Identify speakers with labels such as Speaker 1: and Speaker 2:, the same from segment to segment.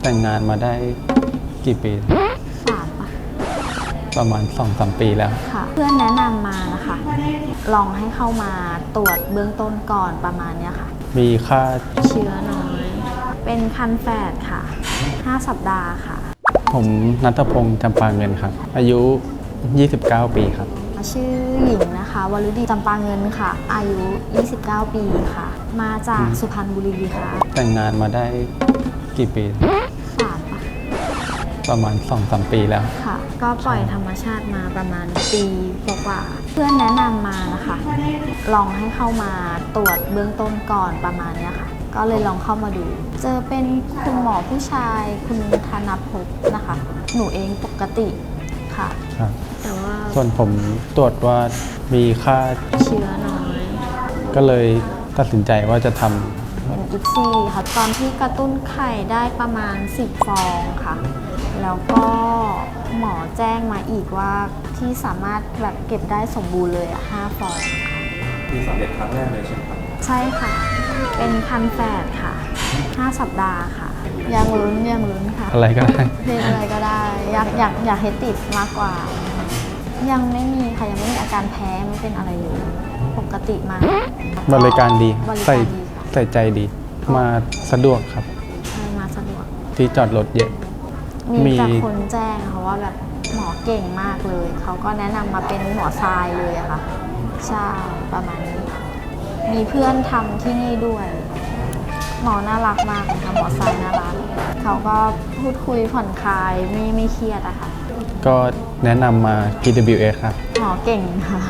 Speaker 1: แต่งงานมาได้กี่ปี
Speaker 2: 3ป่ะ
Speaker 1: ประมาณ 2-3 ปีแล้ว
Speaker 2: ค่ะเพื่อนแนะนำมานะคะลองให้เข้ามาตรวจเบื้องต้นก่อนประมาณนี้ค่ะ
Speaker 1: มีค่า
Speaker 2: เชื้อน้อยเป็นคันแฝดค่ะ5 สัปดาห์ค่ะ
Speaker 1: ผมณัฐพงษ์จำปาเงินครับอายุ29 ปีครับ
Speaker 2: ชื่อหญิงนะคะวรุดีจำปาเงินค่ะอายุ29 ปีค่ะมาจากสุพรรณบุรีค่ะ
Speaker 1: แต่งงานมาได้กี่ปี
Speaker 2: 3ป่ะ
Speaker 1: ประมาณ 2-3 ปีแล้ว
Speaker 2: ค่ะก็ปล่อยธรรมชาติมาประมาณปีกว่าเพื่อนแนะนำมานะคะลองให้เข้ามาตรวจเบื้องต้นก่อนประมาณนี้ค่ะก็เลยลองเข้ามาดูเจอเป็นคุณหมอผู้ชายคุณธนภพนะคะหนูเองปกติค่ะแต่ว่า
Speaker 1: ส่วนผมตรวจว่ามีค่า
Speaker 2: เชื้อน้อย
Speaker 1: ก็เลยตัดสินใจว่าจะท
Speaker 2: ำเป็นอิกซี่ค่ะตอนที่กระตุ้นไข่ได้ประมาณ10 ฟองค่ะแล้วก็หมอแจ้งมาอีกว่าที่สามารถแบบเก็บได้สมบูรณ์เลย5 ฟองค่ะ
Speaker 3: มีสำเร็จครั้งแรกเลยใช่ไหมครับ
Speaker 2: ใช่ค่ะเป็นคันแฝดค่ะ5 สัปดาห์ค่ะยังลุ้นค่ะ
Speaker 1: อะไรก็ได้
Speaker 2: เพลงอะไรก็ได้อยากให้ติดมากกว่ายังไม่มีค่ะยังไม่มีอาการแพ้ไม่เป็นอะไรเลยปกติมาก
Speaker 1: บริการดี
Speaker 2: ใ
Speaker 1: ส่ใจดีมาสะดวกครับ
Speaker 2: มาสะดวก
Speaker 1: ที่จอดรถเยอะ
Speaker 2: มีแต่คนแจ้งค่ะว่าแบบหมอเก่งมากเลยเขาก็แนะนำมาเป็นหมอทรายเลยอะค่ะใช่ประมาณนี้มีเพื่อนทำที่นี่ด้วยหมอน่ารักมากเลยค่ะหมอทรายน่ารักเขาก็พูดคุยผ่อนคลายไม่เครียดอะค่ะ
Speaker 1: ก็แนะนำมา PWS ครับ
Speaker 2: หมอเก่งค่ะ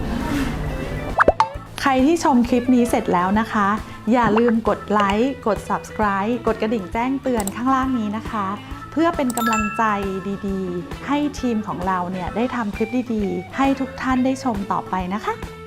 Speaker 4: ใครที่ชมคลิปนี้เสร็จแล้วนะคะอย่าลืมกดไลค์กด Subscribe กดกระดิ่งแจ้งเตือนข้างล่างนี้นะคะเพื่อเป็นกำลังใจดีๆให้ทีมของเราเนี่ยได้ทำคลิปดีๆให้ทุกท่านได้ชมต่อไปนะคะ